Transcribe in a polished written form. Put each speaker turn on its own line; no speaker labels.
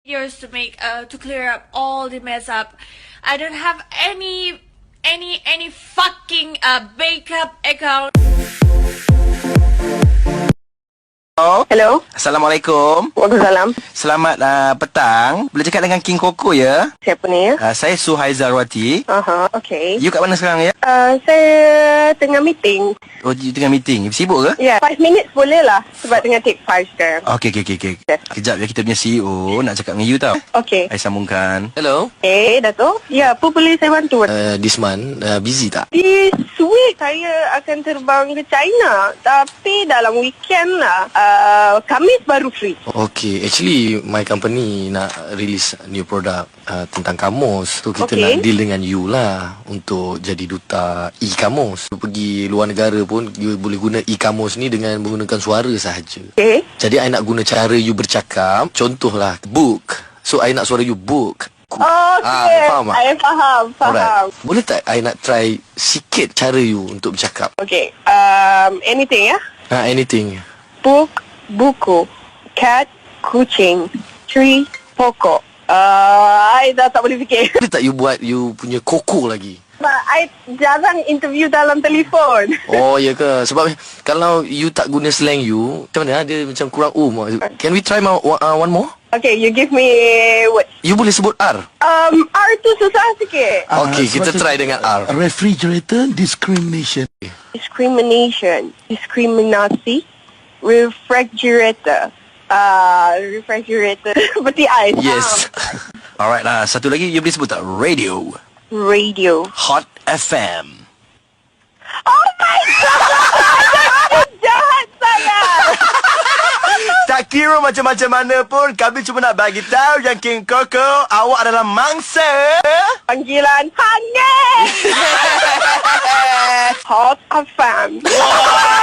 videos to make to clear up all the mess up. I don't have any fucking backup account.
Hello.
Assalamualaikum.
Waalaikumsalam.
Selamat petang. Boleh cakap dengan King Koko ya?
Siapa ni ya?
Saya Suhaiza Rawati.
Okay.
You kat mana sekarang ya?
Saya tengah meeting.
Oh, you tengah meeting. Sibuk ke?
Ya, 5 minutes boleh lah. Sebab tengah take 5 sekarang.
Okey. Kejap ya, kita punya CEO nak cakap dengan you tau.
Okay.
Saya sambungkan.
Hello.
Dato'. Ya, apa boleh saya bantu?
This month busy tak?
This week saya akan terbang ke China. Tapi dalam weekend lah. Khamis baru free.
Okay, actually my company nak release new product tentang kamus. So kita
Okay.
nak deal dengan you lah untuk jadi duta e-kamus. Pergi luar negara pun you boleh guna e-kamus ni dengan menggunakan suara sahaja.
Okay.
Jadi I nak guna cara you bercakap. Contohlah book. So I nak suara you book.
Okay.
Faham tak?
Saya faham.
Alright. Boleh tak I nak try sikit cara you untuk bercakap?
Okay. Anything ya?
Anything.
Book, buku. Cat, kucing. Tree, pokok. I dah tak boleh fikir.
Boleh tak you buat you punya koko lagi?
But I jarang interview dalam telefon.
Oh ya ke? Sebab kalau you tak guna slang you, macam mana? Dia macam kurang Can we try one more?
Okay, you give me what?
You boleh sebut R.
R tu susah sikit.
Okay, kita try dengan R.
Refrigerator discrimination.
Discrimination. Diskriminasi. Refrigerator. Refrigerator. Seperti ais.
Yes.
Alright lah. Satu lagi you boleh sebut tak? Radio.
Radio.
Hot FM.
Oh my God! Jahat saya.
Tak kira macam-macam mana pun, kami cuma nak bagi tahu yang King Koko, awak adalah mangsa
Panggilan hangat. Hot FM.